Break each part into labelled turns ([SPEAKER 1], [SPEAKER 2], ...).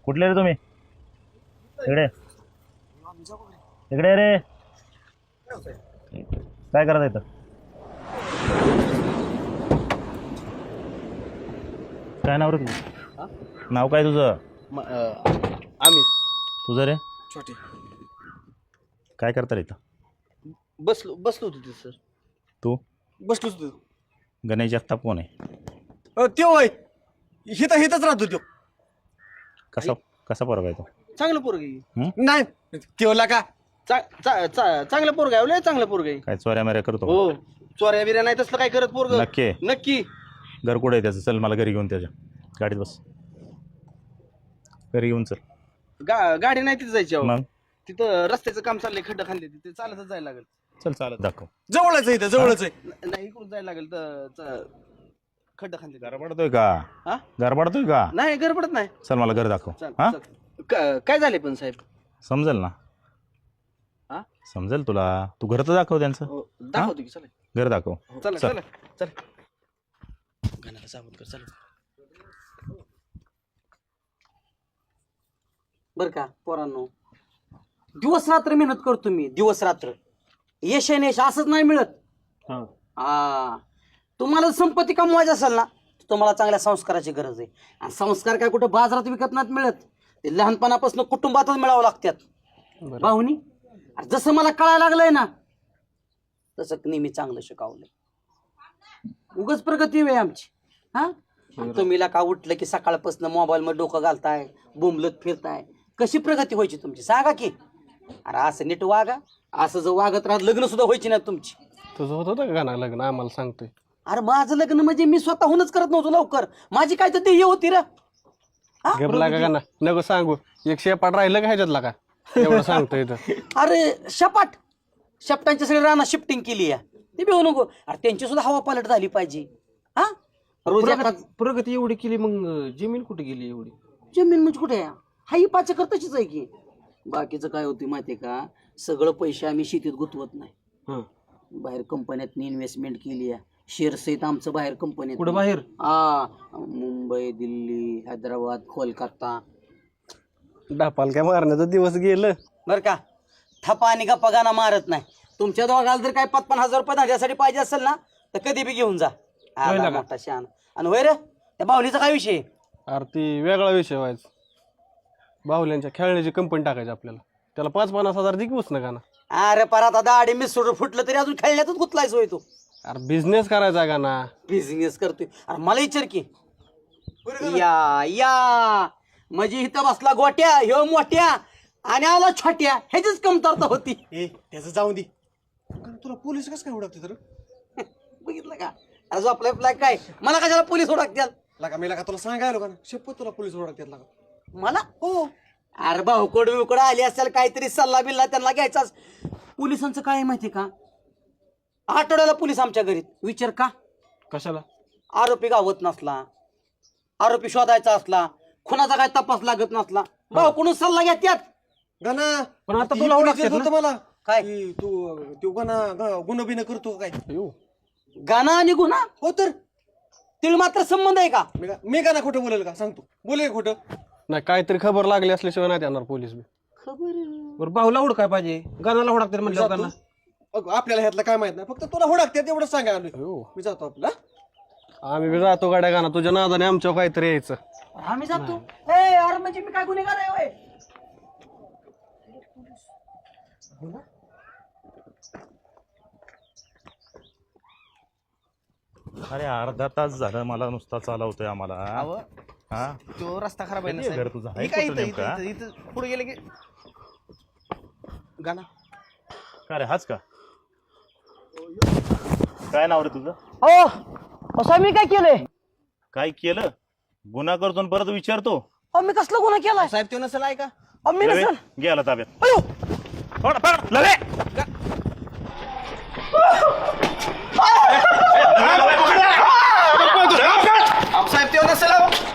[SPEAKER 1] कुठले रे तुम्ही? इकडे इकडे रे. काय करत इथं? काय नाव रे तुझं? नाव काय तुझं?
[SPEAKER 2] आम्ही
[SPEAKER 1] तुझं रे?
[SPEAKER 2] छोटे
[SPEAKER 1] काय करता रे इथं?
[SPEAKER 2] बसलो होतो तिथे सर.
[SPEAKER 1] तू?
[SPEAKER 2] बसलोच होतो.
[SPEAKER 1] गणेश जगताप कोण आहे?
[SPEAKER 2] त्यो होय हिथंच राहतो त्यो.
[SPEAKER 1] कसा कसा पोरगा आहे तो?
[SPEAKER 2] चांगलं पोरग आहे.
[SPEAKER 1] हं?
[SPEAKER 2] नाही तेवला का चांगलं पोरग आहे. लय चांगलं पोरग आहे.
[SPEAKER 1] काय चोऱ्या माऱ्या करतो?
[SPEAKER 2] हो चोऱ्या बिऱ्या नाही तसलं काय करत पोरग.
[SPEAKER 1] नक्की?
[SPEAKER 2] नक्की.
[SPEAKER 1] घर कुठे आहे त्याचं? चल मला घरी घेऊन त्याच्या गाडीत बस. घरी घेऊन चल.
[SPEAKER 2] गाडी नाही तिथे जायची अहो.
[SPEAKER 1] मग
[SPEAKER 2] तिथं रस्त्याचं काम चाललंय. खड्डा खाल्ले तिथे चालतच जायला लागेल.
[SPEAKER 1] चल चालत दाखव.
[SPEAKER 2] जवळच आहे इथं जवळच आहे. नाही इकडून जायला लागेल तर खड्डा खाल्ले.
[SPEAKER 1] गरबडतोय का?
[SPEAKER 2] हा
[SPEAKER 1] गरबडतोय का?
[SPEAKER 2] नाही गडबडत नाही.
[SPEAKER 1] चल मला घर दाखव.
[SPEAKER 2] चल,
[SPEAKER 1] हा
[SPEAKER 2] चल. काय झाले पण साहेब?
[SPEAKER 1] समजेल ना?
[SPEAKER 2] हा
[SPEAKER 1] समजेल तुला. तू घर तर दाखव त्यांचं.
[SPEAKER 2] हो, दाखवतो की चला.
[SPEAKER 1] घर दाखव.
[SPEAKER 2] चला
[SPEAKER 1] चल.
[SPEAKER 2] चला चला. गाण्याला सावध कर चला. बर का पोरांनो, दिवस रात्र मेहनत करतो मी. दिवस रात्र यश आहे यश असंच नाही मिळत. तुम्हाला संपत्ती कमवायची असेल ना तुम्हाला चांगल्या संस्काराची गरज आहे. आणि संस्कार काय कुठं बाजारात विकत नाहीत मिळत. ते लहानपणापासून कुटुंबातच मिळावं लागतात. भाऊनी जसं मला कळायला लागलंय ना तसं नेहमी चांगलं शिकवलंय. उगाच प्रगती आहे आमची. हा तुम्हीला का उठलं की सकाळपासून मोबाईल मध्ये डोकं घालताय, बोंबलत फिरताय. कशी प्रगती व्हायची तुमची सांगा की? अरे असं नीट वागा. असं जर वागत राहत लग्न सुद्धा व्हायची नाही तुमची.
[SPEAKER 3] तुझं होतं का गाणं लग्न आम्हाला सांगतोय?
[SPEAKER 2] अरे माझं लग्न म्हणजे मी स्वतःहूनच करत नव्हतो लवकर. माझी काय तर ध्येय होती रे.
[SPEAKER 3] घेतला का गाणं नको सांगू. एक शेपाट राहिलं का ह्याच्यातला का एवढं सांगतोय इथं?
[SPEAKER 2] अरे शपाट शपटांच्या सगळी राणा शिफ्टिंग केली आहे. ते बेहू नको. अरे त्यांची सुद्धा हवा पालट झाली पाहिजे. हा रोज
[SPEAKER 3] प्रगती एवढी केली मग जमीन कुठे गेली एवढी?
[SPEAKER 2] जमीन म्हणजे कुठे आहे? हा ही पाच एकर तशीच आहे की. बाकीचं काय होती माहितीये का? सगळं पैसे आम्ही शेतीत गुंतवत नाही. बाहेर कंपन्यात इन्व्हेस्टमेंट केली आहे. शेअर्स आहेत आमचं बाहेर कंपनीत.
[SPEAKER 3] कुठं बाहेर?
[SPEAKER 2] मुंबई, दिल्ली, हैदराबाद, कोलकाता.
[SPEAKER 3] डापाल काय मारण्याचं दिवस गेलं
[SPEAKER 2] बर का? थपा आणि गप्पा गाणं मारत नाही. तुमच्या दोघाला जर काय 55,000 रुपये धंद्यासाठी पाहिजे असेल ना तर कधी बी घेऊन जा. आला मोठा शहाणा. आणि होय रे त्या बाहुलीचा काय विषय?
[SPEAKER 3] अरे ती वेगळा विषय व्हायचा. बाहुल्यांच्या खेळण्याची कंपनी टाकायची आपल्याला. त्याला 50-50 दे की उसनं गाणं.
[SPEAKER 2] अरे पर आता दाढी मिसळून फुटलं तरी अजून खेळण्यातच गुतलायच होय तू.
[SPEAKER 3] अरे बिझनेस करायचा गाणा.
[SPEAKER 2] बिझनेस करतोय? अरे मला विचार की. या म्हणजे इथं बसला गोट्या ह्यो मोठ्या आणि आला छोट्या. ह्याचीच कमतरता होती.
[SPEAKER 4] त्याचं जाऊन दे. तुला पोलीस कसं काय ओळखते तर?
[SPEAKER 2] बघितलं का? अरे जो आपला फ्लॅग काय मला कशाला पोलीस ओळखत्याल?
[SPEAKER 4] लागा मी लागा तुला सांगायला का ना शपथ तुला पोलीस ओळखतात लागा.
[SPEAKER 2] मला हो. अरे भाऊकोड बिवकोड आली असेल काहीतरी सल्ला बिल्ला त्यांना घ्यायचाच. पोलिसांचं काय माहिती का? आठवड्याला पोलीस आमच्या घरी. विचार का?
[SPEAKER 3] कशाला?
[SPEAKER 2] आरोपी गावत नसला, आरोपी शोधायचा असला, खुनाचा काय तपास लागत नसला, भाऊ कोण सल्ला घेत्यात.
[SPEAKER 4] गाना
[SPEAKER 3] पण आता तुला ओळखतात
[SPEAKER 4] होतं मला
[SPEAKER 2] काय?
[SPEAKER 4] की तू गाना गुन्हा बिना करतो काय?
[SPEAKER 2] गाणं आणि गुन्हा
[SPEAKER 4] हो तर
[SPEAKER 2] तिळ मात्र संबंध आहे का?
[SPEAKER 4] मी गाना खोटं बोलेल का सांगतो? बोलेल खोटं?
[SPEAKER 3] नाही काहीतरी खबर लागली असल्याशिवाय नाही देणार पोलीस बी.
[SPEAKER 2] खबर
[SPEAKER 3] बाहुला उड काय पाहिजे गाण्याला ओळखतात म्हणजे
[SPEAKER 4] आपल्याला ह्यातलं काय माहित नाही. फक्त तुला होडाकतात एवढं सांगा आलोय. मी जातो आपला.
[SPEAKER 3] आम्ही बी जातो गाड्या गाणं तुझ्या नादाने आमच्या काहीतरी यायचं.
[SPEAKER 2] आम्ही जातो. अरे म्हणजे मी काय गुन्हेगार आहे होय?
[SPEAKER 1] अरे अर्धा तास झालं मला नुसता चालवतोय आम्हाला. हा
[SPEAKER 2] तो रस्ता खराब आहे ना
[SPEAKER 1] कधी आहे घर तुझं? आहे कुठं नेमका?
[SPEAKER 2] पुढे गेले की गाणं.
[SPEAKER 1] का रे हाच का? काय नाव रे तुझं?
[SPEAKER 2] हो असं मी काय केलंय?
[SPEAKER 1] काय केलं? गुन्हा करतो आणि परत विचारतो.
[SPEAKER 2] मी कसला गुन्हा केलाय? साहेब तो नसेल आहे का? मी
[SPEAKER 1] लवे,
[SPEAKER 2] नसेल.
[SPEAKER 1] गेला ताब्यात.
[SPEAKER 2] अयो
[SPEAKER 1] पकड, पकड, लवे.
[SPEAKER 2] साहेब तो नसेल.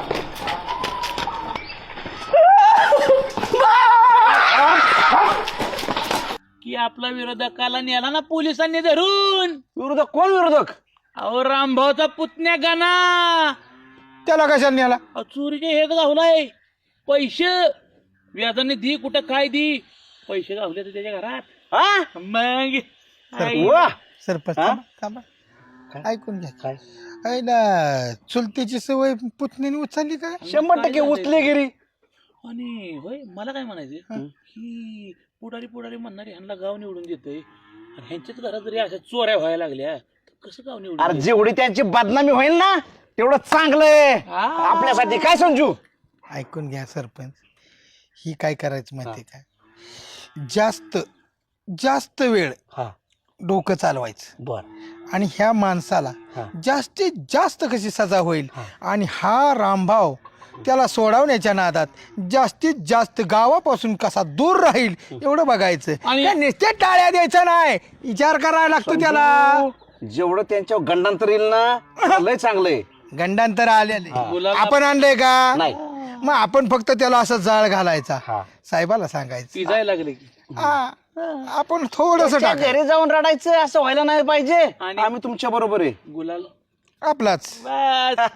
[SPEAKER 5] की आपला विरोधकाला नेला ना पोलिसांनी धरून.
[SPEAKER 3] विरोधक कोण विरोधक?
[SPEAKER 5] अहो रामभाऊचा पुतण्या गाणा.
[SPEAKER 3] त्याला कशाला नेला?
[SPEAKER 5] चोरीचे हेच गावलाय. पैसे व्याजाने दी कुठं काय दी पैसे गावले तर त्याच्या घरात मग आई.
[SPEAKER 6] सरपंच थांबा. ऐकून घ्या काय ना चुलतीची सवय पुतणीने उचलली काय
[SPEAKER 3] 100% उचले गिरी.
[SPEAKER 5] आणि होय मला काय म्हणायचं की पुढारी म्हणणारी ह्यांना गाव निवडून देतोय आणि ह्यांच्याच घरात जरी अशा चोऱ्या व्हायला लागल्या तर कसं गाव निवडून
[SPEAKER 3] अरे जेवढी त्यांची बदनामी होईल ना तेवढं चांगलंय आपल्यासाठी. काय समजू?
[SPEAKER 6] ऐकून घ्या सरपंच, ही काय करायचं माहिती काय, जास्त वेळ डोकं चालवायचं
[SPEAKER 2] बर
[SPEAKER 6] आणि ह्या माणसाला जास्तीत जास्त कशी सजा होईल आणि हा रामभाव त्याला सोडवण्याच्या नादात जास्तीत जास्त गावापासून कसा दूर राहील एवढं बघायचं. त्या नुसत्या टाळ्या द्यायचं नाही, विचार करायला लागतो त्याला.
[SPEAKER 3] जेवढं त्यांच्यावर गंडांतर येईल ना लय चांगलंय.
[SPEAKER 6] गंडांतर आलेले आपण आणलंय का?
[SPEAKER 3] नाही.
[SPEAKER 6] मग आपण फक्त त्याला असं जाळ घालायचा, साहेबाला सांगायचं.
[SPEAKER 5] ती जायला लागले की
[SPEAKER 6] आपण थोडस
[SPEAKER 3] घरी जाऊन रडायचं असं व्हायला नाही पाहिजे.
[SPEAKER 5] आणि-
[SPEAKER 3] आम्ही तुमच्या बरोबर आहे.
[SPEAKER 5] गुलाल
[SPEAKER 6] आपलाच.
[SPEAKER 5] बस.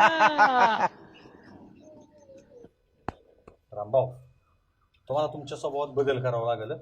[SPEAKER 1] रामभाऊ, तुम्हाला तुमच्या स्वभावात बदल करावा लागेल.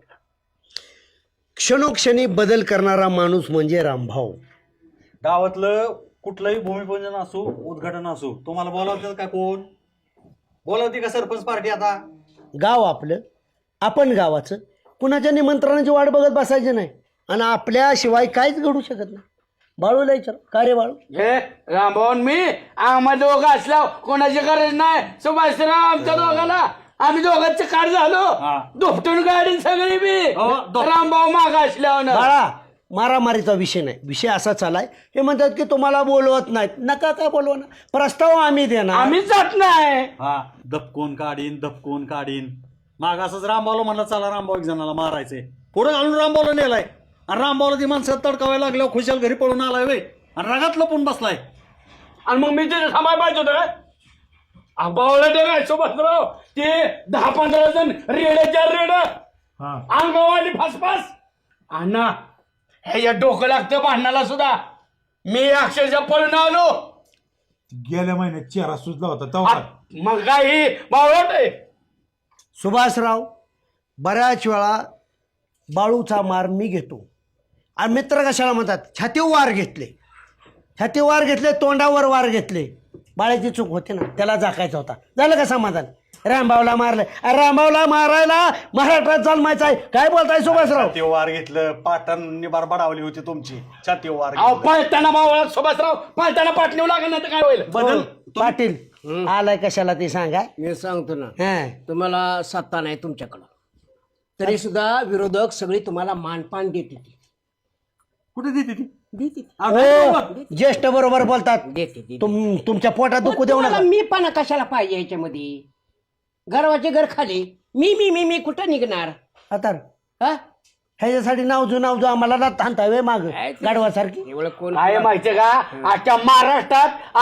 [SPEAKER 2] क्षणोक्षणी बदल करणारा माणूस म्हणजे रामभाऊ.
[SPEAKER 1] गावातलं कुठलंही भूमिपूजन असो उद्घाटन असो तुम्हाला बोलावतं का? कोण बोलावते का? सरपंच पार्टी. आता
[SPEAKER 2] गाव आपलं, आपण गावाचं, कुणाच्या निमंत्रणाची वाट बघत बसायची नाही आणि आपल्याशिवाय काहीच घडू शकत नाही. बाळूला विचार, का रे बाळू?
[SPEAKER 5] हे रामभाऊन मी आम्हा दोघं असला कोणाची गरज नाही. सुभाषराव आमच्या दोघाला आम्ही दोघांचे कार झालो दुपटून गाडी सगळी बी रामभाऊ माग असल्यावर
[SPEAKER 2] बाळा, मारामारीचा विषय नाही. विषय असा चालाय, हे म्हणतात की तुम्हाला बोलवत नाहीत. नका काय बोलवा ना, प्रस्ताव आम्ही देणार.
[SPEAKER 5] आम्ही जात नाही.
[SPEAKER 1] हा दपकोन काढीन माग असंच रामभाऊला म्हणलं चला रामभाऊ एक जणाला मारायचंय, पुढे घालून रामभाऊला नेलाय आणि रामभाऊला ती माणसं तडकावायला लागल्यावर खुशाल घरी पळून आलाय वे आणि रागात लपून बसलाय.
[SPEAKER 5] आणि मग मी तिथे थांबाय पाहिजे होतं काय? आंबावला ते काय सुभाषराव ते 10-15 जण रेड्याच्या रेड अंगवाली फासफास अण्णा हे या डोकं लागतं भांडणाला सुद्धा. मी अक्षरशः पळून आलो.
[SPEAKER 7] गेल्या महिन्यात चेहरा सुजला होता
[SPEAKER 5] मग काय ही बावळट आहे.
[SPEAKER 2] सुभाषराव, बऱ्याच वेळा बाळूचा मार मी घेतो आणि मित्र कशाला म्हणतात छातीवर वार घेतले, तोंडावर वार घेतले. बाळाची चूक होती ना, त्याला जाकायचा होता. झालं का समाधान? रामभाऊला मारलं. रामभाऊला मारायला महाराष्ट्रात जन्मायचं आहे. काय बोलताय सुभाषराव?
[SPEAKER 1] छाती वार घेतलं, पाटण निबार बडावली होती तुमची. छाती वार
[SPEAKER 5] अहो पळताना बावळा सुभाषराव पळताना पाटणीव लागेल ना तर काय होईल?
[SPEAKER 1] बदल
[SPEAKER 2] पाटील आलाय कशाला ते सांगा.
[SPEAKER 8] मी सांगतो ना,
[SPEAKER 2] हा.
[SPEAKER 8] तुम्हाला सत्ता नाही तुमच्याकडं, तरी सुद्धा विरोधक सगळी तुम्हाला मानपान देते ती.
[SPEAKER 1] कुठे देते ती?
[SPEAKER 2] हो, ज्येष्ठ बरोबर बोलतात.
[SPEAKER 8] देते
[SPEAKER 2] तुमच्या पोटात दुखू देऊ नका.
[SPEAKER 8] मी पण कशाला पाहिजे ह्याच्यामध्ये? गर्वाचे घर खाली मी मी मी मी कुठं निघणार?
[SPEAKER 2] आता
[SPEAKER 8] हा?
[SPEAKER 2] ह्याच्यासाठी नावजू आम्हाला थांबताय माग गाढवासारखी.
[SPEAKER 8] एवढं कोण
[SPEAKER 5] काय माहितीये का आजच्या महाराष्ट्रात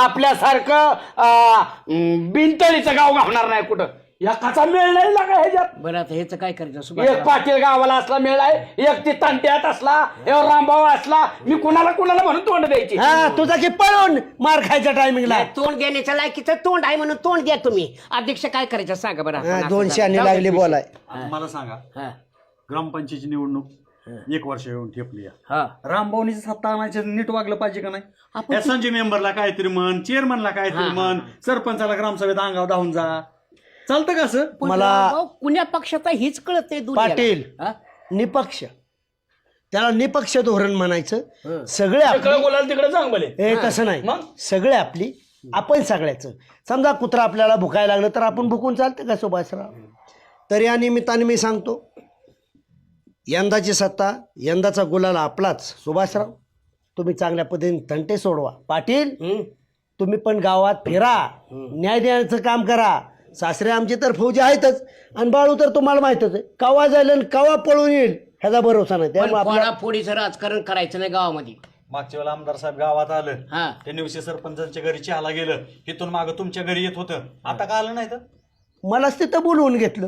[SPEAKER 5] आपल्यासारखं बिनतळीचं गाव घालणार नाही कुठं. या कसा मेळ नाही लागा ह्याच्यात.
[SPEAKER 8] बरं आता ह्याचं काय करायचं?
[SPEAKER 5] एक
[SPEAKER 8] सुभाष
[SPEAKER 5] पाटील गावाला असला मेळ आहे, एक ती तांट्यात असला, एक रामभाऊ असला. मी कुणाला म्हणून तोंड द्यायची?
[SPEAKER 2] हा, तुझा की पळून मार खायच्या टायमिंगला
[SPEAKER 8] तोंड देण्याच्या लायकीचं तोंड आहे म्हणून तोंड द्या तुम्ही. अध्यक्ष काय करायचं सांगा बरं. आपण असं
[SPEAKER 2] 200 आणि
[SPEAKER 8] जाऊ
[SPEAKER 2] लागली
[SPEAKER 8] दे.
[SPEAKER 2] बोलाय.
[SPEAKER 1] आता मला सांगा,
[SPEAKER 8] हा,
[SPEAKER 1] ग्रामपंचायतीची निवडणूक 1 वर्ष येऊन ठेपली आहे.
[SPEAKER 8] हा.
[SPEAKER 1] रामभाऊनीची सत्ता आणायचं नीट वागलं पाहिजे का नाही? एसएनजी मेंबरला काहीतरी म्हण, चेअरमनला काहीतरी म्हण, सरपंचाला ग्रामसभेत अंगावर धावून जा. चालतं का असं?
[SPEAKER 2] मला
[SPEAKER 8] अहो, कुण्या पक्षाचा हीच कळत नाही दुनियाला.
[SPEAKER 2] पाटील
[SPEAKER 8] हा?
[SPEAKER 2] निपक्ष, त्याला निपक्ष धोरण म्हणायचं. सगळे
[SPEAKER 5] इकडं बोलायला तिकडे चांग भले.
[SPEAKER 2] हे तसं नाही, सगळे आपली, आपण सगळ्याचं. समजा कुत्रा आपल्याला भुकायला लागलं तर आपण भुकून चालतं का सुभाषराव? तर या निमित्ताने मी सांगतो, यंदाची सत्ता, यंदाचा गुलाल आपलाच. सुभाषराव, तुम्ही चांगल्या पद्धतीने तंटे सोडवा. पाटील, तुम्ही पण गावात फिरा, न्याय देण्याचं काम करा. सासरे आमचे तर फौजी आहेतच आणि बाळू तर तुम्हाला माहितच आहे, कवा जाईल आणि कवा पळून येईल ह्याचा भरोसा नाही. त्यामुळे आपल्या
[SPEAKER 8] फोडाफोडीचं राजकारण करायचं नाही गावामध्ये.
[SPEAKER 1] मागच्या वेळेला आमदार साहेब गावात आलं,
[SPEAKER 8] हा.
[SPEAKER 1] त्यांनी विषय सरपंचांच्या घरी चहाला गेलं, इथून मागं तुमच्या घरी येत होतं. आता का आलं नाही तर?
[SPEAKER 2] मलाच तिथं बोलवून घेतलं,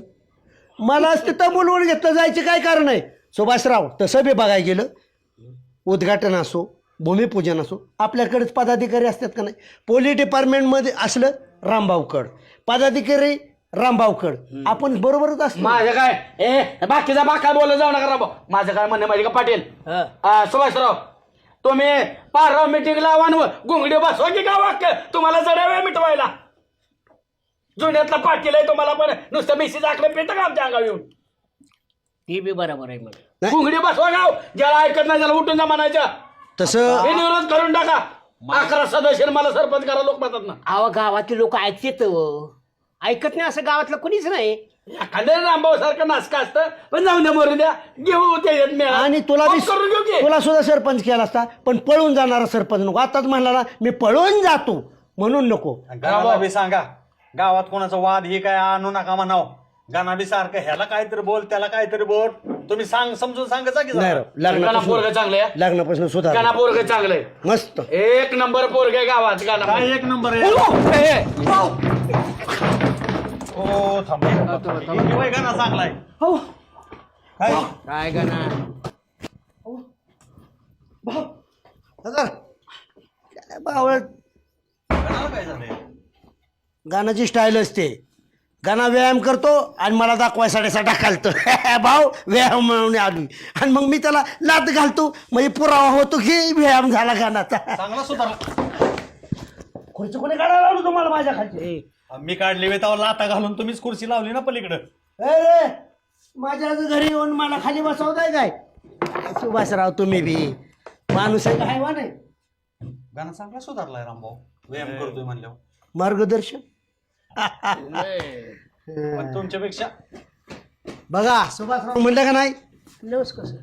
[SPEAKER 2] जायचं काय कारण आहे? सुभाषराव, तसं बी बघायला गेलं, उद्घाटन असो, भूमिपूजन असो, आपल्याकडेच पदाधिकारी असतात का नाही? पोलीस डिपार्टमेंटमध्ये असलं रामभाऊकड, पदाधिकारी
[SPEAKER 8] रामभाऊकड आपण बरोबरच असतो.
[SPEAKER 5] माझं काय बाकीचा बाका बोलत जाऊ नका राव. माझं काय म्हणणं माहिती का पाटील सुभाषराव, तुम्ही पारराव मिटिंग लावा आणि घोंगडी बसवा की का वाक्य तुम्हाला जरा वेळ मिटवायला. जुन्यातला पाटील आहे तुम्हाला, पण नुसतं मेसेज आखलं पेट का आमच्या अंगावर येऊन.
[SPEAKER 8] ती बी बरोबर आहे मला.
[SPEAKER 5] घोंगडी बसवा गाव, ज्याला ऐकत नाही त्याला उठून जा म्हणायचं.
[SPEAKER 2] तसं
[SPEAKER 5] विरोध करून टाका. 11 सदस्य मला सरपंच करा लोक म्हणतात ना.
[SPEAKER 8] अहो गावातले लोक ऐकतात ऐकत नाही असं गावातलं कोणीच नाही.
[SPEAKER 5] एखाद्या रामभाऊ सारखं नासका असतं, पण जाऊन द्या मरून द्या, घेऊ त्याच्यात मेळा.
[SPEAKER 8] आणि तुला
[SPEAKER 5] मग करून घेऊ की.
[SPEAKER 8] तुला सुद्धा सरपंच केला असता, पण पळून जाणारा सरपंच नको. आताच म्हणला ना मी पळून जातो म्हणून नको.
[SPEAKER 1] गावाला बी सांगा, गावात कोणाचा वाद हे काय आणू नका म्हणाव. गाणा बी सारखं ह्याला काहीतरी बोल त्याला काहीतरी बोल, तुम्ही समजून सांगायचा की
[SPEAKER 2] नाही
[SPEAKER 1] जरा.
[SPEAKER 2] राव,
[SPEAKER 5] गाणा पोरग चांगलं आहे.
[SPEAKER 2] लग्नापासून सुधार
[SPEAKER 5] गाणा पोरग चांगलं आहे.
[SPEAKER 2] मस्त.
[SPEAKER 5] 1 नंबर पोरग आहे गावात गाणा.
[SPEAKER 1] काय एक नंबर आहे. हो थांब गाणा चांगला आहे. काय
[SPEAKER 8] काय गाणा
[SPEAKER 2] बावळट
[SPEAKER 1] गाण्याला काय झालंय.
[SPEAKER 2] गाण्याची स्टाईल असते. गाणा व्यायाम करतो आणि मला दाखवायसाठी ढकलतो. भाऊ व्यायाम म्हणून आली आणि मग मी त्याला लात घालतो, म्हणजे पुरावा होतो की व्यायाम झाला गाण्याचा.
[SPEAKER 1] चांगला सुधारला.
[SPEAKER 2] खुर्ची कोणी काढायला लावलं तुम्हाला माझ्या खाली?
[SPEAKER 1] मी काढली वेतावर लाता घालून तुम्हीच खुर्ची लावली ना पलीकडं.
[SPEAKER 2] रे माझ्या घरी येऊन मला खाली बसवताय काय? सुभाषराव तुम्ही बी माणूस आहे काय वा नाही?
[SPEAKER 1] गाणं चांगला सुधारलाय रामभाऊ, व्यायाम करतोय म्हणल्यावर.
[SPEAKER 2] मार्गदर्शन
[SPEAKER 1] पण तुमच्यापेक्षा
[SPEAKER 2] बघा सुभाषराव म्हणलं का नाही,
[SPEAKER 8] कसं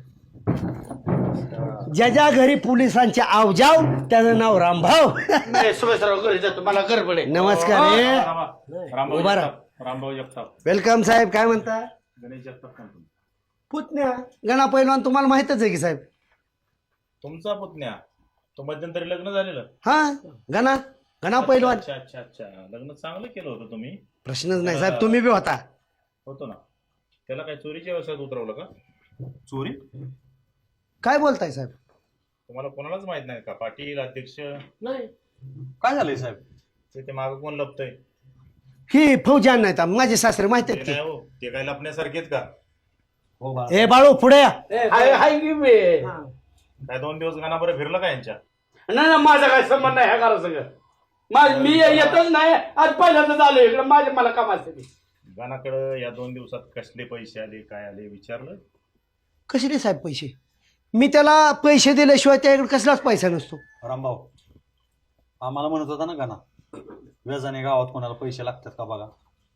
[SPEAKER 2] ज्याच्या घरी पोलिसांचे आवजाव त्याचं नाव रामभाऊ.
[SPEAKER 5] नाही, सुभाषराव घरी जातो, मला गडबड आहे.
[SPEAKER 2] नमस्कार उभा राहा.
[SPEAKER 5] रामभाऊ जगताप.
[SPEAKER 2] वेलकम साहेब. काय म्हणता?
[SPEAKER 5] गणेश जगताप म्हणतो.
[SPEAKER 2] पुतण्या गणा पैलवान तुम्हाला माहितच आहे की साहेब?
[SPEAKER 9] तुमचा पुतण्या तो मध्यंतरी लग्न झालेलं.
[SPEAKER 2] हा गणा पैलवान.
[SPEAKER 9] अच्छा अच्छा अच्छा, लग्न चांगलं केलं होतं तुम्ही.
[SPEAKER 2] प्रश्नच नाही साहेब, तुम्ही बी होता.
[SPEAKER 9] होतो ना. त्याला काय चोरीच्या व्यवसायात उतरवलं का?
[SPEAKER 1] चोरी.
[SPEAKER 2] काय बोलताय साहेब?
[SPEAKER 9] तुम्हाला कोणालाच माहित नाही का? पाटील अध्यक्ष
[SPEAKER 8] नाही.
[SPEAKER 1] काय झालंय साहेब.
[SPEAKER 9] ते मागं कोण लपतंय?
[SPEAKER 2] ही फौजान नाहीत माझे सासरे माहित
[SPEAKER 9] ते
[SPEAKER 2] आहेत
[SPEAKER 9] नाही हो, ते काय लपण्यासारखेच का?
[SPEAKER 1] हो बा.
[SPEAKER 2] की. ए बाळू पुढे या.
[SPEAKER 5] हाय की बे.
[SPEAKER 9] काय 2 दिवस गाणा बरं फिरलं का यांच्या?
[SPEAKER 5] नाही माझा काय संबंध नाही ह्या घरा सगळं. मी येतच नाही, आज पहिल्यांदाच आलो इकडे. माझे मला काम असते.
[SPEAKER 9] गाणाकडं या 2 दिवसात कसले पैसे आले काय आले विचारलं?
[SPEAKER 2] कसे साहेब पैसे? मी त्याला पैसे दिल्याशिवाय त्याकडे कसलाच पैसा नसतो.
[SPEAKER 1] रामभाऊ आम्हाला म्हणत होता ना गाणा, व्याजाने गावात कोणाला पैसे लागतात का बघा.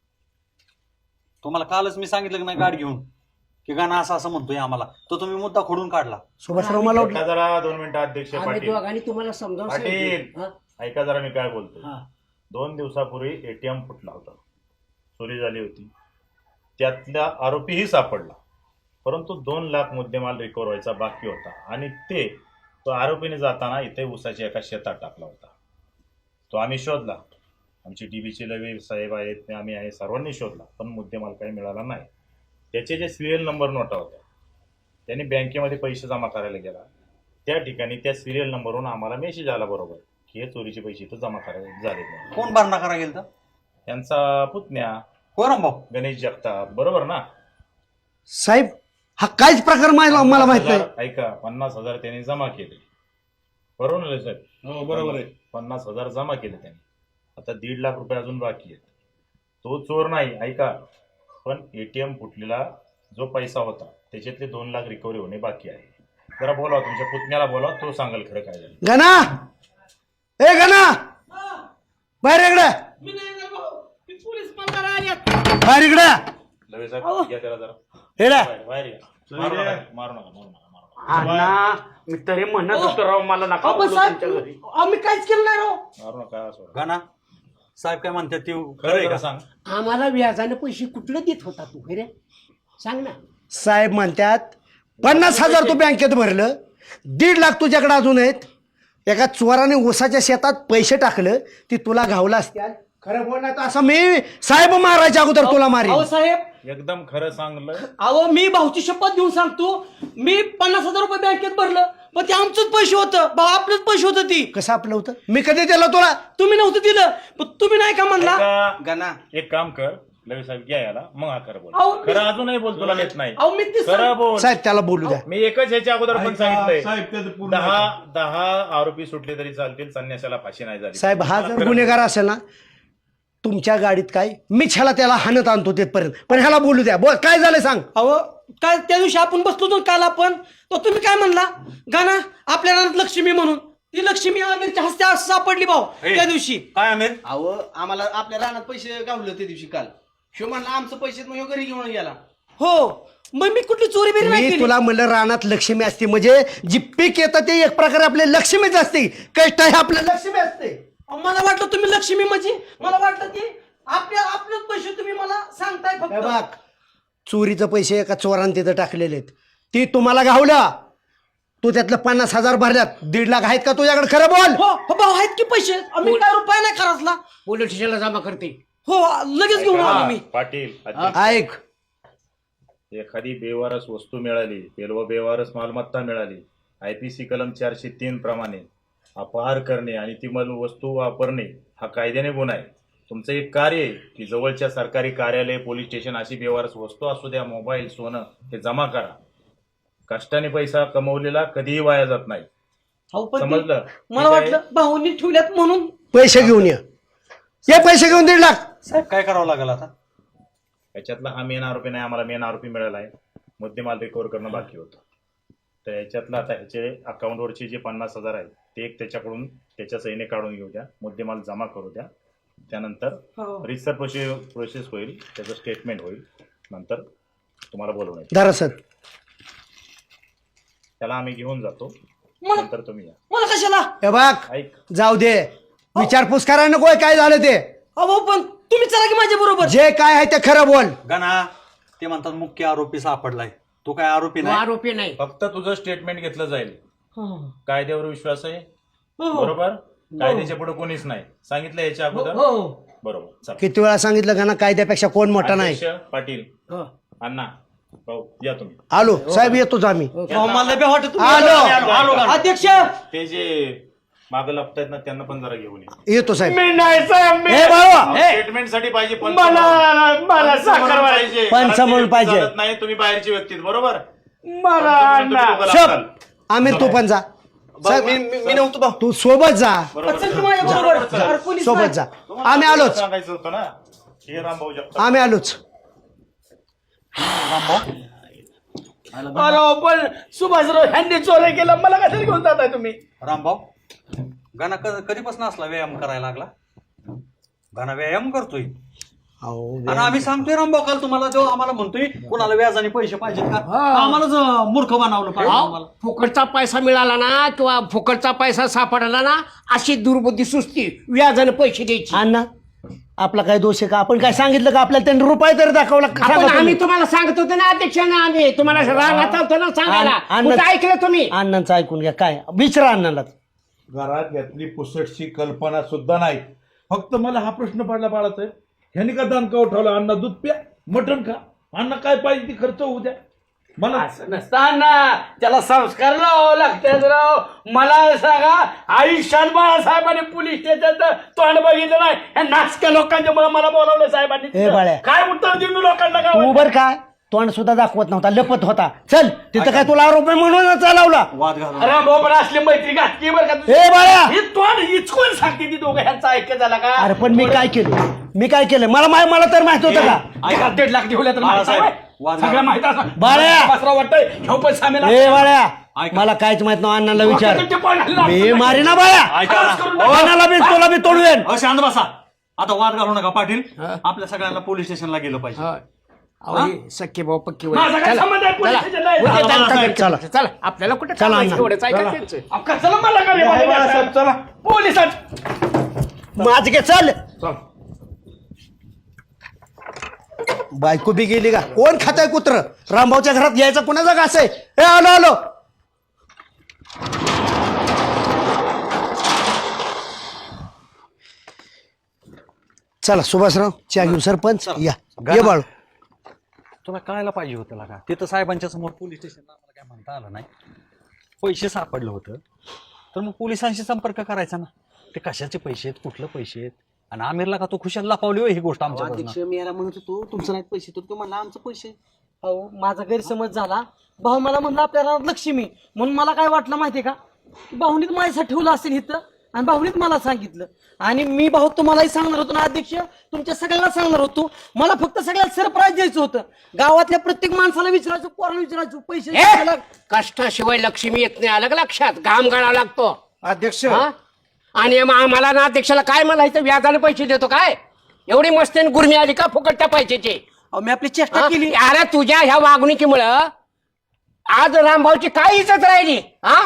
[SPEAKER 1] तुम्हाला कालच मी सांगितलं की नाही गाडी घेऊन की गाणं असं असं म्हणतोय आम्हाला, तो तुम्ही मुद्दा खोडून काढला.
[SPEAKER 2] सुभाषराव मला वाटलं
[SPEAKER 9] ऐका जरा 2 मिनिटं अध्यक्ष.
[SPEAKER 8] आम्ही
[SPEAKER 9] पाटील
[SPEAKER 8] दोघांनी तुम्हाला समजावून
[SPEAKER 9] पाटील
[SPEAKER 8] सांगितलं. हा?
[SPEAKER 9] ऐका जरा मी काय बोलतोय.
[SPEAKER 8] हा.
[SPEAKER 9] 2 दिवसापूर्वी ATM फुटला होता, चोरी झाली होती. त्यातला आरोपीही सापडला, परंतु 2 लाख मुद्देमाल रिकव्हर व्हायचा बाकी होता आणि तो आरोपीने जाताना इथे ऊसाच्या एका शेतात टाकला होता. तो आम्ही शोधला. आमचे DBचे लवे साहेब आहेत, आम्ही आहे, सर्वांनी शोधला, पण मुद्देमाल काही मिळाला नाही. त्याचे जे सिरियल नंबर नोटा होत्या त्यांनी बँकेमध्ये पैसे जमा करायला गेला. त्या ठिकाणी त्या सिरियल नंबरवरून आम्हाला मेसेज आला बरोबर की हे चोरीचे पैसे इथं जमा करायला झाले नाही.
[SPEAKER 1] कोण भरणा करा गेलं तर
[SPEAKER 9] त्यांचा पुतण्या
[SPEAKER 1] हो रामभाऊ.
[SPEAKER 9] गणेश जगताप, बरोबर ना?
[SPEAKER 2] साहेब हा काहीच प्रकार मला माहित नाही.
[SPEAKER 9] ऐका, 50,000 त्यांनी जमा केले, बरोबर ना साहेब?
[SPEAKER 5] हो बरोबर आहे.
[SPEAKER 9] 50,000 जमा केले त्यांनी. आता 1.5 लाख रुपये अजून बाकी आहेत. तो चोर नाही, ऐका, पण ATM फुटलेला जो पैसा होता त्याच्यातले 2 लाख रिकव्हरी होणे बाकी आहे. जरा बोलावा, तुमच्या पुतण्याला बोलावा, तो सांगाल खरं काय झालं.
[SPEAKER 2] गणा ए गणा बाहेर इकडे. बाहेर इकडे
[SPEAKER 9] लवे साहेब घ्या त्याला जरा
[SPEAKER 2] हेडा.
[SPEAKER 9] बाहेर या. मारू नका मारू नका.
[SPEAKER 5] अण्णा मी तरी म्हणत होतो राव, मला नका
[SPEAKER 8] अहो,
[SPEAKER 5] बोलू
[SPEAKER 8] साहेब,
[SPEAKER 5] तुमच्या घरी.
[SPEAKER 8] आम्ही काहीच केलं नाही राव.
[SPEAKER 9] मारू नका सोडा.
[SPEAKER 1] गाणा साहेब काय म्हणतात ते
[SPEAKER 9] खरं आहे का सांग?
[SPEAKER 8] आम्हाला व्याजाने पैसे कुठलं देत होता तू रे? सांग ना.
[SPEAKER 2] साहेब म्हणतात 50,000 तू बँकेत भरलं, 1.5 लाख तुझ्याकडे अजून आहेत. एका चोराने ऊसाच्या शेतात पैसे टाकलं, ती तुला घावला असत्या. खरं बोलणार तर असं मी साहेब मारायच्या अगोदर तुला मारी.
[SPEAKER 8] अहो साहेब,
[SPEAKER 9] एकदम खरं सांगलं.
[SPEAKER 8] अहो मी भाऊची शपथ घेऊन सांगतो, मी 50,000 रुपये बँकेत भरलं, पण ते आमचंच पैसे होतं, आपलंच पैसे होतं. ती
[SPEAKER 2] कसं आपलं होतं? मी कधी दिलं तुला?
[SPEAKER 8] तुम्ही नव्हतं दिलं, पण तुम्ही नाही का म्हणला?
[SPEAKER 9] ऐका, एक काम कर, लवे साहेब घ्या याला, मग हा खरं बोल.
[SPEAKER 8] अहो, मी-
[SPEAKER 9] खरं अजूनही बोल, तुला येत नाही.
[SPEAKER 8] अहो मी ते
[SPEAKER 9] खरं बोल.
[SPEAKER 2] साहेब त्याला बोलू द्या.
[SPEAKER 9] मी एकच ह्याच्या अगोदर पण सांगितलंय,
[SPEAKER 7] साहेब त्याचं पूर्ण
[SPEAKER 9] 10 आरोपी सुटले तरी चालतील, संन्यासाला फाशी नाही झाली.
[SPEAKER 10] साहेब हा जर गुन्हेगार असेल ना तुमच्या गाडीत काय मीच ह्याला त्याला हाणत आणतो तिथपर्यंत, पण ह्याला बोलू द्या. बोल काय झालं सांग.
[SPEAKER 8] अहो काय त्या दिवशी आपण बसलो होतो काल आपण, तर तुम्ही काय म्हणला गाना आपल्या रानात लक्ष्मी म्हणून, ती लक्ष्मी आमिरच्या हस्ते सापडली भाऊ त्या दिवशी.
[SPEAKER 1] काय आमिर?
[SPEAKER 2] अहो आम्हाला आपल्या रानात पैसे गावले त्या दिवशी काल. शिव म्हणला आमचं पैसे मग ह्यो घरी घेऊन गेला.
[SPEAKER 8] हो मग मी कुठली चोरी बिरी नाही
[SPEAKER 10] मी
[SPEAKER 8] केली.
[SPEAKER 10] तुला म्हणलं रानात लक्ष्मी असते, म्हणजे जी पीक येतं ते एक प्रकारे आपले लक्ष्मीच असते, कष्ट हे आपलं लक्ष्मी असते.
[SPEAKER 8] अहो, मला वाटलं तुम्ही लक्ष्मी म्हणजे मला वाटलं की आपलेच पैसे तुम्ही मला सांगताय
[SPEAKER 10] हे
[SPEAKER 8] फक्त.
[SPEAKER 10] बघ चोरीचं पैसे एका चोराने तिथं टाकलेले आहेत, ती तुम्हाला गावला. तू त्यातलं 50,000 भरल्यात, 1.5 लाख आहेत का तुझ्याकडे? खरं बोल.
[SPEAKER 8] हो हो भाऊ आहेत की पैसे, आम्ही काय रुपये नाही खरचला.
[SPEAKER 2] पोलीस स्टेशनला जमा करते.
[SPEAKER 8] हो लगेच घेऊन आलो मी.
[SPEAKER 9] पाटील, अध्यक्ष,
[SPEAKER 10] ऐक
[SPEAKER 9] एखादी बेवारस वस्तू मिळाली, बेवारस मालमत्ता मिळाली, IPC कलम 403 प्रमाणे अपहार करणे आणि ती वस्तू वापरणे हा कायद्याने गुन्हा आहे. तुमचं एक कार्य आहे की जवळच्या सरकारी कार्यालय, पोलीस स्टेशन अशी बेवारस वस्तू असू द्या, मोबाईल, सोनं, हे जमा करा. कष्टाने पैसा कमवलेला कधीही वाया जात नाही,
[SPEAKER 8] अहो, पण ते-
[SPEAKER 9] समजलं?
[SPEAKER 8] मला वाटलं भाऊनी ठेवल्यात म्हणून.
[SPEAKER 10] पैसे घेऊन ये पैसे घेऊन 1.5 लाख.
[SPEAKER 1] साहेब काय करावं लागेल आता?
[SPEAKER 9] याच्यातला हा मेन आरोपी नाही, आम्हाला मेन आरोपी मिळाला आहे, मुद्देमाल रिकव्हर करणं बाकी होतं. तर याच्यातलं आता ह्याचे अकाउंटवरचे जे 50,000 आहेत ते एक त्याच्याकडून त्याच्या सहीने काढून घेऊ द्या, मुद्देमाल जमा करू द्या. त्यानंतर
[SPEAKER 8] हो.
[SPEAKER 9] रिसर प्रोसेस होईल, त्याचं स्टेटमेंट होईल, नंतर तुम्हाला बोलवून येईल.
[SPEAKER 10] धरा सर.
[SPEAKER 9] त्याला आम्ही घेऊन जातो,
[SPEAKER 8] मला
[SPEAKER 9] नंतर तुम्ही या.
[SPEAKER 8] मला कशाला?
[SPEAKER 10] हे बघ
[SPEAKER 9] ऐक,
[SPEAKER 10] जाऊ दे, विचारपूस करा नकोय काय झालं ते.
[SPEAKER 8] अहो पण तुम्ही चला की माझ्या बरोबर.
[SPEAKER 10] जे काय आहे ते खरं बोल.
[SPEAKER 1] गाना ते म्हणतात मुख्य आरोपी सापडलाय, तो काय आरोपी नाही.
[SPEAKER 2] आरोपी नाही.
[SPEAKER 9] फक्त तुझं स्टेटमेंट घेतलं जाईल.
[SPEAKER 8] हो.
[SPEAKER 9] कायद्यावर विश्वास आहे,
[SPEAKER 8] हो.
[SPEAKER 9] बरोबर? कायद्याच्या पुढे कोणीच नाही, सांगितलं याच्या अगोदर,
[SPEAKER 8] हो.
[SPEAKER 9] बरोबर? चला.
[SPEAKER 10] किती वेळा सांगितलं का ना कायद्यापेक्षा कोण मोठा नाही.
[SPEAKER 9] अध्यक्ष, पाटील, अण्णा, भाऊ, या तुम्ही.
[SPEAKER 10] आलो साहेब, येतोच आम्ही.
[SPEAKER 8] अहो, मला बी वाटत तुम्ही-
[SPEAKER 10] आलो.
[SPEAKER 8] आलो. अध्यक्ष
[SPEAKER 9] ते जे मागं लपतायत ना त्यांना पण जरा घेऊन या.
[SPEAKER 10] येतो साहेब.
[SPEAKER 5] मी नाही साहेब, मी
[SPEAKER 10] हे बाबा
[SPEAKER 9] स्टेटमेंट साठी पाहिजे,
[SPEAKER 5] मला साखर
[SPEAKER 9] पाहिजे,
[SPEAKER 10] पंचामृत पाहिजे.
[SPEAKER 9] चालत नाही, तुम्ही बाहेरची व्यक्ती आहेत, बरोबर?
[SPEAKER 5] मला अण्णा.
[SPEAKER 10] शब आमिर तू पण जा. साहेब
[SPEAKER 2] मी नव्हतो भाऊ.
[SPEAKER 10] तू सोबत जा,
[SPEAKER 8] चल की माझ्या बरोबर. अरे, कोणीच
[SPEAKER 10] सोबत
[SPEAKER 8] नाही.
[SPEAKER 10] जा. आम्ही आलोच,
[SPEAKER 9] सांगायचं होतं ना, हे रामभाऊ जगताप.
[SPEAKER 10] आम्ही आलोच.
[SPEAKER 5] अरे पण सुभाषराव ह्यांनी चोऱ्या केला, मला कशाला घेऊन जाताय तुम्ही?
[SPEAKER 1] रामभाऊ, गाना कधीपासून असला व्यायाम करायला लागला? गाना व्यायाम करतोय आणि आम्ही सांगतोय रामभाऊ, काल तुम्हाला जो आम्हाला म्हणतोय कुणाला व्याजाने पैसे पाहिजेत का, आम्हालाच मूर्ख बनवलं पाहिजे आम्हाला.
[SPEAKER 2] फुकटचा पैसा मिळाला ना किंवा फुकटचा पैसा सापडला ना अशी दुर्बुद्धी सुचती, व्याजाने पैसे द्यायची.
[SPEAKER 10] अण्णा आपला काय दोष आहे का? आपण काय सांगितलं का आपल्याला त्यांनी रुपये तरी दाखवला?
[SPEAKER 2] आपण आम्ही तुम्हाला सांगत होतो ना अध्यक्षांना, आम्ही तुम्हाला रागात होतो ना सांगायला, कुठं ऐकलं तुम्ही?
[SPEAKER 10] अण्णांचं ऐकून घ्या. काय विचारा अण्णाला.
[SPEAKER 7] घरात यातली पुसटची कल्पना सुद्धा नाही. फक्त मला हा प्रश्न पडला बाळासाहेब, ह्यानी का दानका उठवला? अण्णा दूध प्या, मटण खा, अण्णा काय पाहिजे ती खर्च होऊ द्या. मला
[SPEAKER 5] असं नसताना त्याला संस्कार लावावं लागतात राव. मला सांगा, आयुष्यात बाळासाहेबांनी पोलीस स्टेशनचं तोंड बघितलं नाही, ह्या नाचक्या लोकांच्या मुळे मला बोलावलं साहेबांनी.
[SPEAKER 10] ए बाळ्या.
[SPEAKER 5] काय उत्तर देऊ मी लोकांना
[SPEAKER 10] तू
[SPEAKER 5] गावात?
[SPEAKER 10] बर काय तोंड सुद्धा दाखवत नव्हता, लपत होता. चल तिथं काय तुला आरोप आहे म्हणून चालवला?
[SPEAKER 1] वाद घालून
[SPEAKER 5] अरे भाऊ, पण असली मैत्री घातली बरं का?
[SPEAKER 10] ए बाळ्या,
[SPEAKER 5] हे तोंड इचकून सांगते ती दोघं, ह्यांचा ऐक्य झाला का?
[SPEAKER 10] अरे पण मी काय केलं? मी काय केलं? मला तर माहित होतं का?
[SPEAKER 5] ऐका, 1.5 लाख ठेवल्या तर
[SPEAKER 1] बाळासाहेब,
[SPEAKER 5] माहिती आहे?
[SPEAKER 1] वाद
[SPEAKER 5] सगळं
[SPEAKER 1] घालून.
[SPEAKER 5] माहित असं
[SPEAKER 10] बाळ्या.
[SPEAKER 5] बासराव वाटतंय ह्यो पण सामील
[SPEAKER 10] ए बाळ्या,
[SPEAKER 1] ऐका.
[SPEAKER 10] मला काहीच माहित नाही. अण्णाला विचार.
[SPEAKER 5] तुमच्या पाण्याला
[SPEAKER 10] मी मारी ना बाळ्या.
[SPEAKER 1] ऐका ना.
[SPEAKER 10] अण्णाला बी तुला बी तोडवेन.
[SPEAKER 1] शांत बसा. आता वाद घालू नका पाटील, आपल्या सगळ्यांना पोलीस स्टेशनला गेलं पाहिजे.
[SPEAKER 2] सख्खे भाऊ पक्की
[SPEAKER 5] माझा काय संबंध आहे पोलीस स्टेशनला यायचा?
[SPEAKER 10] चला.
[SPEAKER 2] चला आपल्याला कुठे
[SPEAKER 10] चला, अण्णा.
[SPEAKER 2] एवढंच ऐका त्यांचं.
[SPEAKER 5] अहो, कशाला मला का रे बाबा?
[SPEAKER 7] चला.
[SPEAKER 5] पोलिसात
[SPEAKER 10] माझ घे चल. बायको बी गेली का? कोण खाताय कुत्र? रामभाऊच्या घरात यायचं कोणाचा घास आहे? ए आलो आलो. चला सुभाषराव चहा घेऊ. सरपंच या. ये बाळू.
[SPEAKER 1] तुला कळायला पाहिजे होतं ना का, तिथं साहेबांच्या समोर पोलीस स्टेशनला आम्हाला काय म्हणता आलं नाही. पैसे सापडलं होतं तर मग पोलिसांशी संपर्क करायचा ना. ते कशाचे पैसे आहेत, कुठलं पैसे आहेत, आणि आमिरला का तो खुशाल लपावली हो ही गोष्ट आमच्या
[SPEAKER 2] अध्यक्ष मी याला म्हणत होतो तुमचं नाही पैसे तर तो म्हणला आमचं पैसे. हो माझा गैरसमज झाला. भाऊ मला म्हणलं आपल्या रानात लक्ष्मी, म्हणून मला काय वाटलं माहितीये का, भाऊनीत माझ्यासाठी ठेवलं असेल इथं आणि भाऊनीत मला सांगितलं. आणि मी भाऊ तुम्हालाही सांगणार होतो ना अध्यक्ष, तुमच्या सगळ्यांना सांगणार होतो. मला फक्त सगळ्यात सरप्राईज द्यायचं होतं. गावातल्या प्रत्येक माणसाला विचारायचं, पोराला विचारायचं, पैसे द्यायला.
[SPEAKER 8] कष्टाशिवाय लक्ष्मी येत नाही, आलं का लक्षात? घाम गाळावा लागतो.
[SPEAKER 10] अध्यक्ष
[SPEAKER 8] हा? आणि मग आम्हाला ना अध्यक्षाला काय म्हणायचं, व्याजाने पैसे देतो काय? एवढी मस्त गुरमी आली का फुकटच्या पैशाची?
[SPEAKER 2] अहो, मी आपली चेष्टा केली.
[SPEAKER 8] अरे तुझ्या ह्या वागणुकीमुळं आज रामभाऊची काय इज्जत राहिली? हा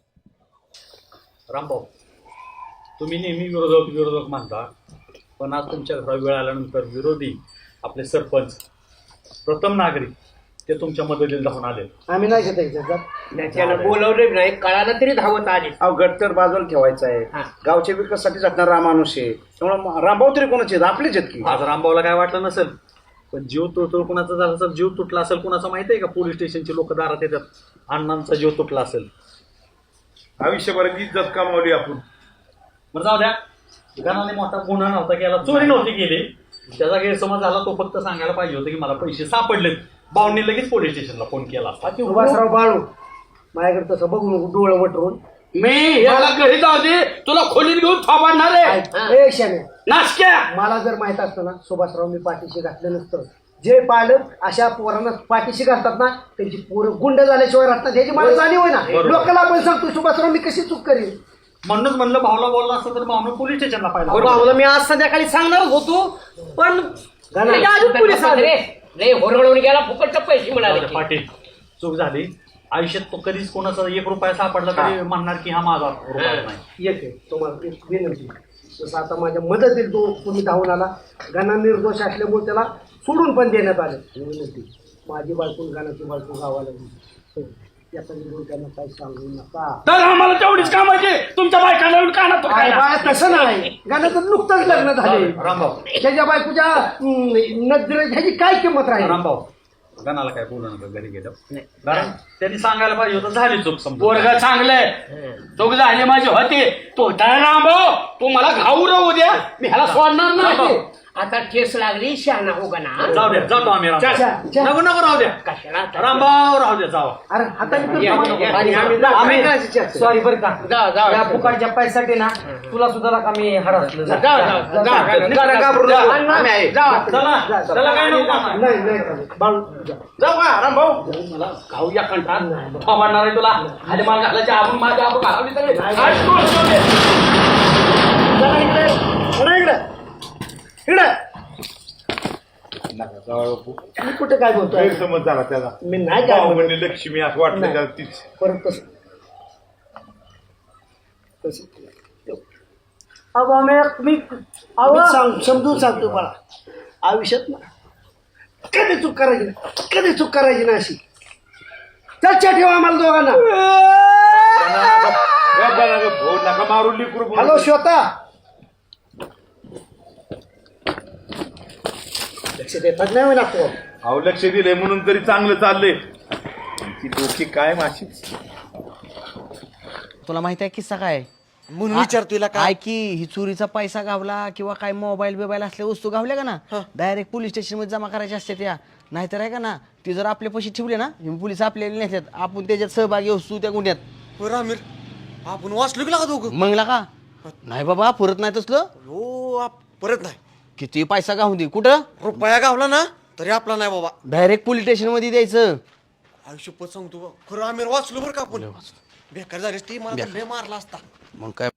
[SPEAKER 1] रामभाऊ, तुम्ही नेहमी विरोधक मानता, पण आज तुमच्या घरात वेळ आल्यानंतर विरोधी आपले सरपंच, प्रथम नागरिक ते तुमच्या मदतीला धावून आले.
[SPEAKER 10] आम्ही नाही घेत त्याच्यात.
[SPEAKER 8] त्याच्यानं बोलवलं नाही, कळालं तरी धावत आली.
[SPEAKER 11] अहो गट तर बाजूला ठेवायचा आहे. गावच्या विकासासाठी जगणारा माणूस आहे, त्यामुळे रामभाऊ तरी कोणाचे आहेत? आपलेच आहेत की.
[SPEAKER 1] आज रामभाऊला काय वाटलं नसेल, पण जीव तुटतो कुणाचा झाला असेल, जीव तुटला असेल कुणाचा माहिती आहे का? पोलीस स्टेशनचे लोक दारात येतात, अण्णांचा जीव तुटला असेल.
[SPEAKER 7] आयुष्यभराची इज्जत कमावली आपण.
[SPEAKER 1] बरं जाऊ द्या, गणाने मोठा गुन्हा नव्हता केला, चोरी नव्हती केली, त्याचा गैरसमज झाला. तो फक्त सांगायला पाहिजे होतं की मला पैसे सापडलेत. भाऊंनी लगेच पोलीस स्टेशनला फोन केला.
[SPEAKER 10] सुभाषराव बाळू माझ्याकडे तसं बघू नको डोळं वटरून.
[SPEAKER 5] मी याला घरी जाऊ दे, तुला खोलीत घेऊन थांबणार आहे.
[SPEAKER 10] ए शाने,
[SPEAKER 5] नाशक्या
[SPEAKER 10] मला जर माहित असतं ना सुभाषराव मी पाठीशी घातलं नसतं. जे पालक अशा पोरांना पाठीशी घालतात ना त्यांची पोरं गुंड झाल्याशिवाय राहतात, ह्याची मला जाणीव आहे ना. लोकांना आपण सांगतो सुभाषराव मी कशी चूक करीन.
[SPEAKER 1] म्हणूनच म्हणलं भाऊला बोलला असतं तर भाऊनं पोलीस स्टेशनला पाहिलं.
[SPEAKER 2] भाऊला मी आज संध्याकाळी सांगणार होतो, पण त्याच्या आधी पोलीस आले.
[SPEAKER 8] रे होरवळून गेला, फुकटचे पैसे मिळाले.
[SPEAKER 1] पाटील, चूक झाली. आयुष्यात तो कधीच कोणाचा 1 रुपया सापडला तरी म्हणणार की हा माझा रुपया नाही.
[SPEAKER 10] एक आहे तुम्हाला एक विनंती, जसं आता माझ्या मदतीत तुम्ही धावून आला, गाणा निर्दोष असल्यामुळे त्याला सोडून पण देण्यात आलं. विनंती, माझी बायकून गाण्याची बायको गावाला गेली, याचा विरोध त्यांना काही सांगू नका.
[SPEAKER 5] तर आम्हाला तेवढीच कामाची, तुमच्या बायकांना कानात
[SPEAKER 10] बाळा तसं नाही, गाण्याचं नुकतंच लग्न झाले.
[SPEAKER 1] रामभाऊ,
[SPEAKER 10] त्याच्या बायकोच्या नजरेत ह्याची काय किंमत राहील?
[SPEAKER 1] रामभाऊ, गणाला काय बोलू नका घरी गेलं, कारण त्यांनी सांगायला पाहिजे होतं. झाली चूक समजा.
[SPEAKER 5] पोरगा चांगलंय, चूक झाली माझी होती. तो रामभाऊ तू मला घाऊ राहू द्या, मी ह्याला सोडणार नाही.
[SPEAKER 8] आता केस लागली, शहाणा हो गणा.
[SPEAKER 1] जाऊ द्या, जातो आम्ही. नको नको राहू द्या,
[SPEAKER 8] कशाला
[SPEAKER 1] रामभाऊ राहू द्या, जावा.
[SPEAKER 10] अरे
[SPEAKER 2] आम्ही सॉरी बरं का,
[SPEAKER 8] जा
[SPEAKER 2] या फुकटच्या पैशासाठी ना तुला सुद्धा का मी हरसलं.
[SPEAKER 1] चला चला, काय नको कामाला.
[SPEAKER 5] जाऊ का रामभाऊ? मला घाऊ या कंठात थांबणार आहे तुला. खाली माल घालायचे, आपण माझ्या आपण घालावली सगळे.
[SPEAKER 10] मी कुठे काय बोलतोय?
[SPEAKER 7] गैरसमज झाला त्याचा.
[SPEAKER 10] मी नाही काय
[SPEAKER 7] भाऊ
[SPEAKER 10] बोलत.
[SPEAKER 7] म्हणले लक्ष्मी असं वाटलं
[SPEAKER 10] नाही.
[SPEAKER 7] त्याला तीच.
[SPEAKER 10] परत तसं मी समजून सांगतो बाळा, आयुष्यात ना कधी चूक करायची नाही, कधी चूक करायची नाही अशी. चर्चा ठेवा आम्हाला दोघांना.
[SPEAKER 7] भाऊ नका मारून लिकरू.
[SPEAKER 10] हॅलो श्वेता, लक्ष देतात नाही ना तो.
[SPEAKER 7] अहो लक्ष दिले म्हणून तरी चांगलं चाललंय. ती डोकी काय माशी.
[SPEAKER 2] तुला माहिती आहे किस्सा काय?
[SPEAKER 4] म्हणून विचारतोय का
[SPEAKER 2] काय की ही चोरीचा पैसा गावला किंवा काय मोबाईल बिबाईल असल्या वस्तू गावल्या का ना, डायरेक्ट पोलीस स्टेशन मध्ये जमा करायच्या असतात त्या. नाहीतर आहे का ना, ती जर आपले पैसे ठेवले ना, पोलीस आपल्याला नेतात, आपण त्याच्यात सहभागी असतो त्या गुन्ह्यात.
[SPEAKER 4] बरं आमिर, आपण वाचलो की लागा दोघं?
[SPEAKER 2] मग का नाही बाबा, परत नाही तसलं.
[SPEAKER 4] हो परत नाही.
[SPEAKER 2] किती पैसा गावून दे, कुठं
[SPEAKER 4] रुपया गावला ना तरी आपला नाही बाबा.
[SPEAKER 2] डायरेक्ट पोलीस स्टेशन मध्ये द्यायचं.
[SPEAKER 4] आयुष्यपत सांगतो बा, खरं आमिर वाचलो बरं का आपण. बेकार झालीस ती, मला तर लय मारला असता.
[SPEAKER 2] मग काय